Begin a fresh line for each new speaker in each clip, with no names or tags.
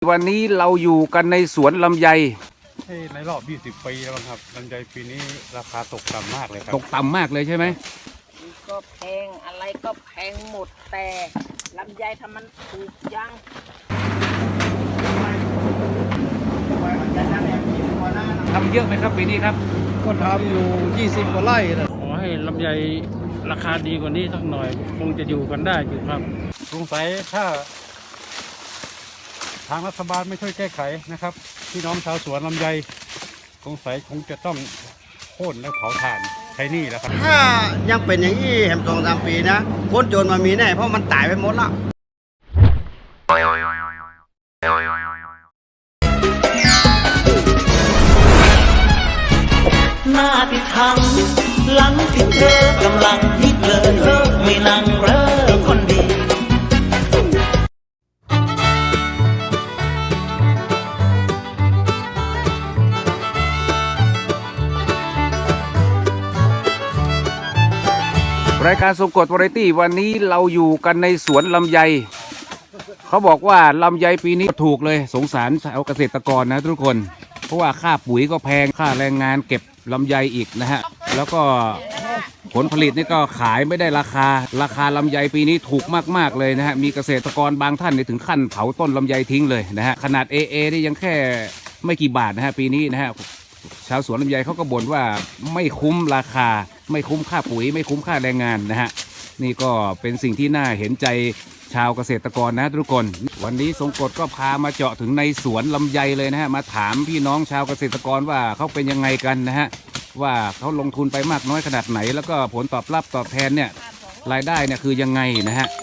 วันนี้เราอยู่กันในสวนลำไย
ในรอบ20 ปีแล้วครับลำไยปีนี้ราคาตกต่ำมากเลยครับ
ตกต่ำมากเลยใช่ไหม
ก็แพงอะไรก็แพงหมดแต่ลำไยทำมันถูกยัง
ทำเยอะไหมครับปีนี้ครับ
ก็ทำอยู่20 กว่าไร่นะ
ขอให้ลำไยราคาดีกว่านี้สักหน่อยคงจะอยู่กันได้อยู่ครับสงสัยถ้าทางรัฐบาลไม่ช่วยแก้ไขนะครับพี่น้องชาวสวนลำไยสงสัยคงจะต้องโค่นและเผาถ่านใช้หนี้แล้วครับ
ถ้ายังเป็นอย่างนี้แหม2-3 ปีนะคนจนมามีแน่เพราะมันตายไปหมดแล้ว
หน้าติดทังหลังติดเธอกำลังฮิตเลยเลิกไม่นั่งเลิกคนดี
รายการทรงกฎวาไรตี้วันนี้เราอยู่กันในสวนลำไยเขาบอกว่าลำไยปีนี้ถูกเลยสงสารชาวเกษตรกรนะทุกคนเพราะว่าค่าปุ๋ยก็แพงค่าแรงงานเก็บลำไยอีกนะฮะแล้วก็ผลผลิตนี่ก็ขายไม่ได้ราคาลำไยปีนี้ถูกมากๆเลยนะฮะมีเกษตรกรบางท่านถึงขั้นเผาต้นลำไยทิ้งเลยนะฮะขนาด AA นี่ยังแค่ไม่กี่บาทนะฮะปีนี้นะฮะชาวสวนลำไยเขาก็บ่นว่าไม่คุ้มราคาไม่คุ้มค่าปุ๋ยไม่คุ้มค่าแรงงานนะฮะนี่ก็เป็นสิ่งที่น่าเห็นใจชาวเกษตรกรนะทุกคนวันนี้ทรงกฎก็พามาเจาะถึงในสวนลำไยเลยนะฮะมาถามพี่น้องชาวเกษตรกรว่าเขาเป็นยังไงกันนะฮะว่าเขาลงทุนไปมากน้อยขนาดไหนแล้วก็ผลตอบรับตอบแทนเนี่ยรายได้เนี่ยคือยังไงนะฮะ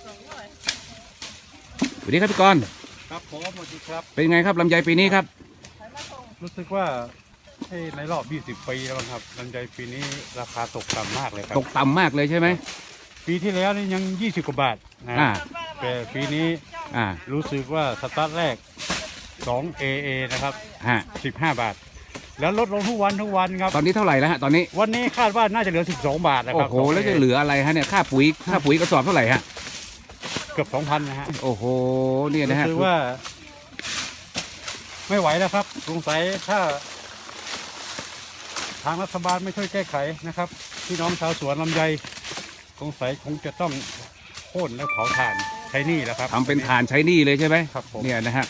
สวัสดีครับพี่กรณ์
ครับผมสวัสดีครับ
เป็นไงครับลำไยปีนี้ครับ
รู้สึกว่าในรอบ20 ปีแล้วครับลำไยปีนี้ราคาตกต่ำมากเลยครับ
ตกต่ำมากเลยใช่ไหม
ปีที่แล้วนี่ยัง20 กว่าบาทนะแต่ปีนี้รู้สึกว่าสตาร์ทแรก2 AA นะครับ15 บาทแล้วลดลงทุกวันครับ
ตอนนี้เท่าไหร่แล้วฮะตอนนี้
วันนี้คาดว่าน่าจะเหลือ12 บาทนะครับ
โอ้โหแล้วจะเหลืออะไรฮะเนี่ยค่าปุ๋ยกระสอบเท่าไหร่ฮะ
เกือบ 2,000นะฮะ
โอ้โหเนี่ยนะฮะ
คือว่าไม่ไหวแล้วครับสงสัยถ้าทางรัฐบาลไม่ช่วยแก้ไขนะครับพี่น้องชาวสวนลำไยสงสัยคงจะต้องโค่นและเผาถ่านใช้หนี้แล้วครับ
ทำเป็นถ่านใช้หนี้เลยใช่ไหม
ครับผม
เนี่ยนะฮะ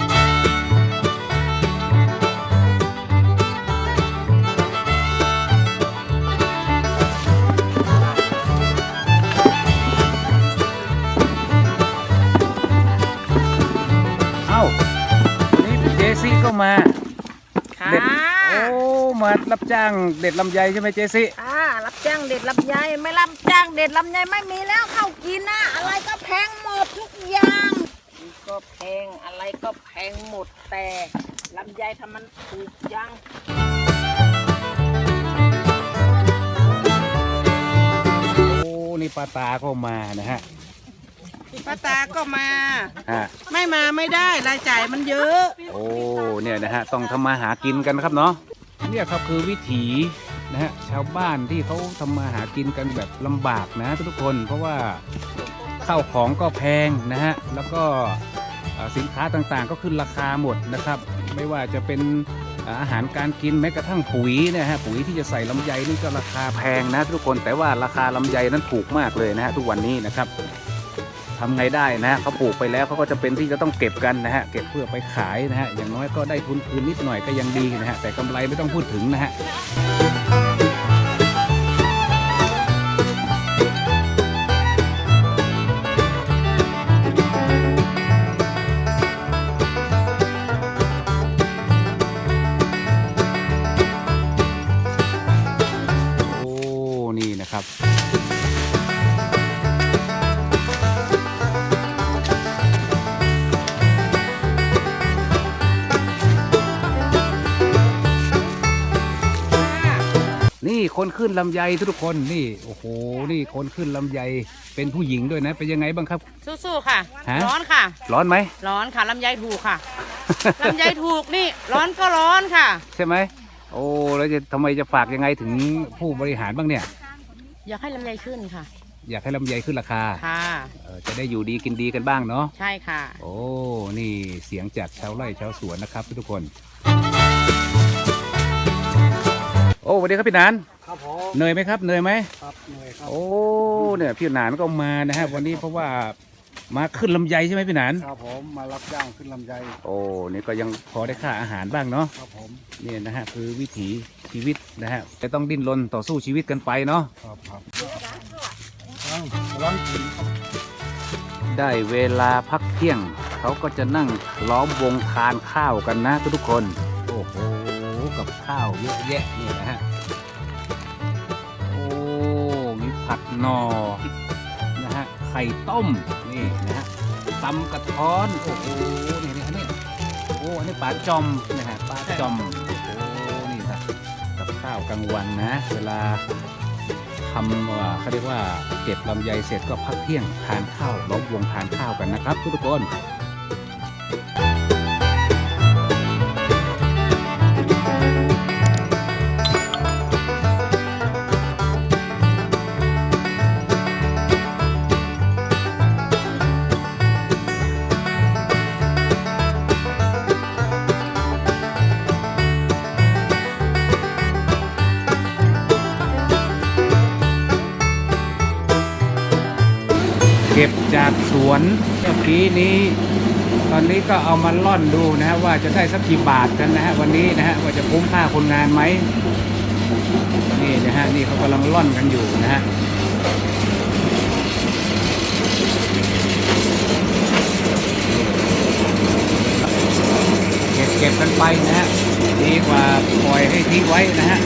นี่เจซี่ก็มาเด็ดโอ้มารับจ้างเด็ดลำไยใช่ไหมเจซี่
รับจ้างเด็ดลำไยไม่รับจ้างเด็ดลำไยไม่มีแล้วเข้ากินนะอะไรก็แพงหมดทุกอย่างก็แพงอะไรก็แพงหมดแต่ลำไยทำมันถูกยัง
โอ้นี่ป้าตาก็มานะฮะ
ป้าตาก็มาไม่มาไม่ได้รายจ่ายมันเยอะ
โอ้เนี่ยนะฮะต้องทำมาหากินกันนะครับเนาะเนี่ยครับคือวิถีนะฮะชาวบ้านที่เขาทำมาหากินกันแบบลำบากนะทุกคนเพราะว่าข้าวของก็แพงนะฮะแล้วก็สินค้าต่างๆก็ขึ้นราคาหมดนะครับไม่ว่าจะเป็นอาหารการกินแม้กระทั่งปุ๋ยนะฮะปุ๋ยที่จะใส่ลำไยนี่ก็ราคาแพงนะทุกคนแต่ว่าราคาลำไยนั้นถูกมากเลยนะฮะทุกวันนี้นะครับทำไงได้นะฮะเขาปลูกไปแล้วเขาก็จะเป็นที่จะต้องเก็บกันนะฮะเก็บเพื่อไปขายนะฮะอย่างน้อยก็ได้ทุนคืนนิดหน่อยก็ยังดีนะฮะแต่กำไรไม่ต้องพูดถึงนะฮะโอ้นี่นะครับนี่คนขึ้นลำไยทุกคนนี่โอ้โหนี่คนขึ้นลำไยเป็นผู้หญิงด้วยนะเป็นยังไงบ้างครับ
สู้ๆค่ะร้อนค่ะ
ร้อนไหม
ร้อนค่ะลำไยถูกค่ะลำไยถูกนี่ร้อนก็ร้อนค่ะ
ใช่ไหมโอ้แล้วจะทำไมจะฝากยังไงถึงผู้บริหารบ้างเนี่ย
อยากให้ลำไยขึ้นค่ะ
อยากให้ลำไยขึ้นราคา
ค่ะ
จะได้อยู่ดีกินดีกันบ้างเนาะ
ใช่ค่ะ
โอ้นี่เสียงจากชาวไร่ชาวสวนนะครับทุกคนโอ้สวัสดีครับพี่หนาน
ครับผม
เหนื่อยไหมครับเหนื่อยไหม
ครับเหนื่อยครับ
โอ้เนี่ยพี่หนานก็มานะฮะวันนี้เพราะว่ามาขึ้นลำไยใช่ไหมพี่หนาน
ครับผมมารับจ้างขึ้นลำไย
โอ้นี่ก็ยังพอได้ค่าอาหารบ้างเนาะ
ครับผม
นี่นะฮะคือวิถีชีวิตนะฮะจะต้องดิ้นรนต่อสู้ชีวิตกันไปเนาะ
ครับครับล้างกิน
ได้เวลาพักเที่ยงเขาก็จะนั่งล้อมวงทานข้าวกันนะทุกคนโอ้โหกับข้าวเยอะแยะนี่นะฮะโอ้มีผัดหนอนะฮะไข่ต้มนี่นะฮะตำกระท้อนโอ้โหนี่นี่อันนี้โอ้อันนี้ปลาจอมนะฮะปลาจอมโอ้นี่นะกับข้าวกลางวันนะ เวลาทำเขาเรียกว่าเก็บลำไยเสร็จก็พักเที่ยงทานข้าวล้อมวงทานข้าวกันนะครับทุกคนเก็บจากสวนเมื่อกี้นี้ ตอนนี้ก็เอามาล่อนดูนะฮะว่าจะได้สักกี่บาทกันนะฮะวันนี้นะฮะว่าจะคุ้มค่าคนงานไหมนี่นะฮะนี่เขากำลังล่อนกันอยู่นะฮะเก็บกันไปนะฮะดีกว่าปล่อยให้ทิ้งไว้นะฮะ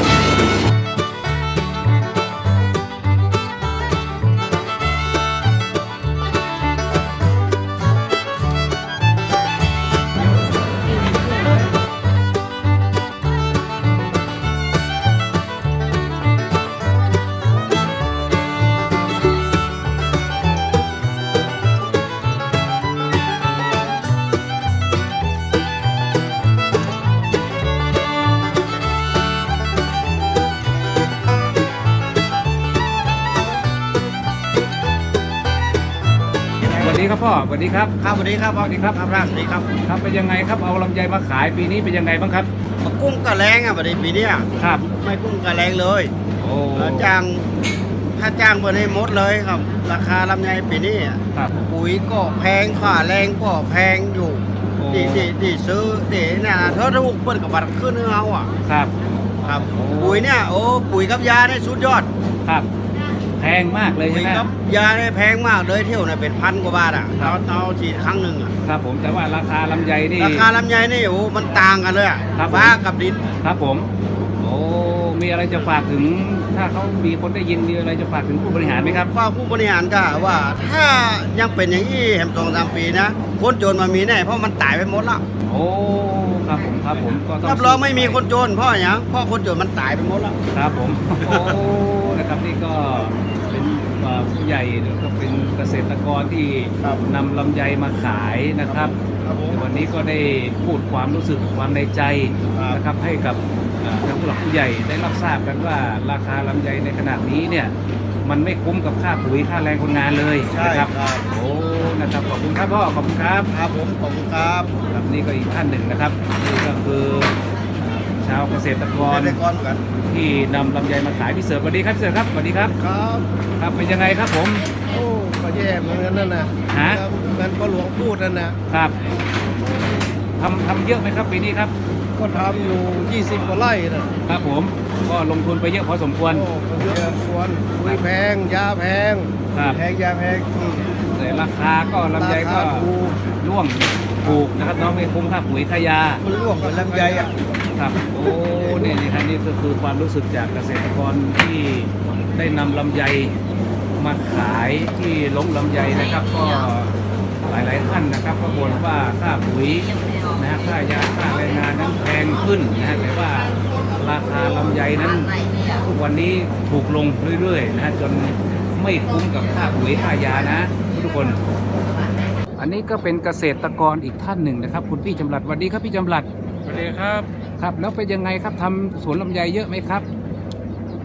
สวัสดีครับพ่อสวัสดีครับ
ครับสวัสดีครับ
สวัสดีครับ
ครับสวัสดีครับ
ครับเป็นยังไงครับเอาลำไยมาขายปีนี้เป็นยังไงบ้างครับ
กุ้งกระแรงอ่ะประเดี๋ยวปีเนี้ย
ครับ
ไม่กุ้งกระแรงเลย
โอ้
จ้างถ้าจ้างเบอร์ให้หมดเลยครับ ราคาลำไยปีนี้อะ
ครับ
ปุ๋ยก็แพงค่าแรงก็แพงอยู่
โอ้
ที่ซื้อเนี่ยเธอถูกเปิดกับบัตรขึ้นเอาอ่ะ
ครับ
ครับ
โอ้
ปุ๋ยเนี่ยโอ้ปุ๋ยกับยาเนี่ยสุดยอด
ครับแพงมากเลย
ปุ๋
ใช่
ย
ไหม
กับยาเนี่ยแพงมากเลยเที่ยวเนี่ยเป็นพันกว่าบาทอ่ะ
ครับ
เอาฉีดครั้งหนึ่งอ่ะ
ครับผมแต่ว่าราคาลำไยนี่
ราคาลำไยนี่โอ้มันต่างกันเลยอ่ะ
ครับ
ฟ้ากับดิน
ครับผมโอ้มีอะไรจะฝากถึงถ้าเขามีคนได้ยินมีอะไรจะฝากถึงผู้บริหารไหมครับ
ว่าผู้บริหารก็ว่าถ้ายังเป็นอย่างนี้แหม2-3 ปีนะคนโจรมามีแน่เพราะมันตายไปหมดแล้ว
โอ้ครับผมก็ต้อง
รับรองไม่มีคนโจรเพราะอย่างเพราะคนโจรมันตายไปหมดแล้ว
ครับผมโอ้นะครับนี่ก็เป็นผู้ใหญ่แล้วก็เป็นเกษตรกรที่
ครับ
นำลำไยมาขายนะครับ
ครับผม
วันนี้ก็ได้พูดความรู้สึกความในใจ
ครับ
นะครับให้กับทางผู้หลักผู้ใหญ่ได้รับทราบกันว่าราคาลำไยในขณะนี้เนี่ยมันไม่คุ้มกับค่าปุ๋ยค่าแรงคนงานเลย
ใช่
นะครับ
ครับ
โอ้นะครับขอบคุณครับพ่อขอบคุณครับ
ครับผมขอบคุณครับ
ครับนี่ก็อีกท่านหนึ่งนะครับนี่ก็คือชาวเกษตรกร
เกษตรกรกัน
ที่นำลำไยมาขายพี่เสิร์ฟสวัสดีครับพี่เสิร์ฟครับสวัสดีครับ
ครับ
ครับเป็นยังไงครับผม
โอ้ก็แย่เหมือนกันนั่นนะ
ฮะ
ครับเหมือนพ่อหลวงพูดนั่นนะครับ
ทำเยอะไหมครับปีนี้ครับ
ก็ทำอยู่ 20 กว่าไร่นะครับ
ผมก็ลงทุนไปเยอะพอสมควร
โอ้ก็เยอะควรปุ๋ยแพง ยาแพง
ครับ
แพงยาแพง
แต่ราคาก็ลำไยก็
ราคาถูก
ร่วงถูกนะครับน้องไม่คุ้มค่าปุ๋ยค่ายา
มันร่วงกับลำไยอ่ะ
ครับโอ้นี่ครับนี่ก็คือความรู้สึกจากเกษตรกรที่ได้นำลำไยมาขายที่ลงลำไยนะครับ ก็หลายๆท่านนะครับก็บ่นว่าค่าปุ๋ยนะฮะค่ายาค่าแรงงานนั้นแพงขึ้นนะฮะแต่ว่าราคาลำไยนั้นทุกวันนี้ถูกลงเรื่อยๆนะฮะจนไม่คุ้มกับค่าปุ๋ยค่ายานะทุกคน อันนี้ก็เป็นเกษตรกรอีกท่านหนึ่งนะครับ คุณพี่จำรัดสวัสดีครับพี่จำรัด
สวัสดีครับ
ครับแล้วเป็นยังไงครับทำสวนลำไยเยอะไหมครับ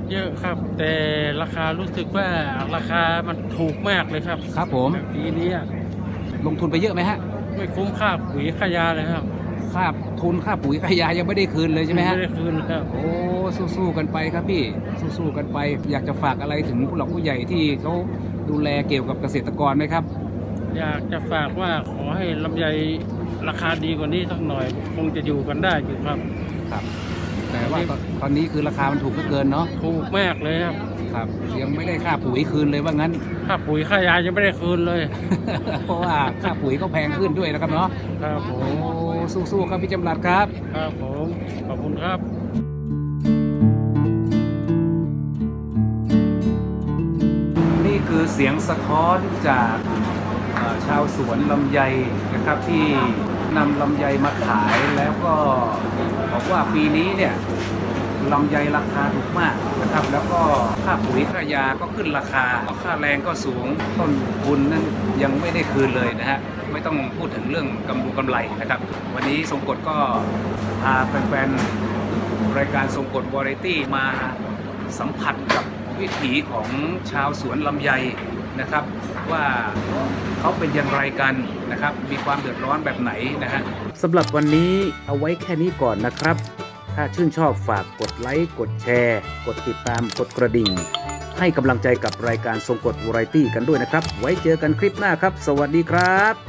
เยอะครับ แต่ราคารู้สึกว่าราคามันถูกมากเลยครับ
ครับผม
ปีนี้
ลงทุนไปเยอะไหมฮะ
ไม่คุ้มค่าปุ๋ยค่ายาเลยครับ
ค่าทุนค่าปุ๋ยค่ายายังไม่ได้คืนเลยใช่ไหมฮะ
ไม่ได้คืนครับ
โอ้สู้ๆกันไปครับพี่สู้ๆกันไป อยากจะฝากอะไรถึงผู้หลักผู้ใหญ่ที่เขาดูแลเกี่ยวกับเกษตรกรไหมครับ
อยากจะฝากว่าขอให้ลำไยราคาดีกว่านี้สักหน่อยคงจะอยู่กันได้อยู่ครับ
ครับ แต่ว่าตอนนี้คือราคามันถูกเหลือเกินเนาะ
ถูกมากเลยครับ
ครับยังไม่ได้ค่าปุ๋ยคืนเลยว่างั้น
ค่าปุ๋ยค่ายายังไม่ได้คืนเลย
เพราะว่าค่าปุ๋ยก็แพงขึ้นด้วยนะครับเนาะ
ครับผ
โอ้
ม
สู้ๆครับพี่จำรัดครับ
ครับผมขอบคุณครับ
นี่คือเสียงสะท้อนจากชาวสวนลำไยนะครับที่นำลำไยมาขายแล้วก็บอกว่าปีนี้เนี่ยลำไยราคาถูกมากนะครับ แล้วก็ค่าปุ๋ยค่ายาก็ขึ้นราคาค่าแรงก็สูงต้นทุนนั้นยังไม่ได้คืนเลยนะฮะไม่ต้องพูดถึงเรื่องกำไรนะครับ วันนี้ทรงกฎก็พาแฟนๆรายการทรงกฎวาไรตี้มาสัมผัสกับวิถีของชาวสวนลำไยนะครับ ว่าเขาเป็นอย่างไรกันนะครับ มีความเดือดร้อนแบบไหนนะฮะสำหรับวันนี้เอาไว้แค่นี้ก่อนนะครับ ถ้าชื่นชอบฝากกดไลค์กดแชร์ กดติดตามกดกระดิ่ง ให้กำลังใจกับรายการทรงกฎวาไรตี้กันด้วยนะครับ ไว้เจอกันคลิปหน้าครับ สวัสดีครับ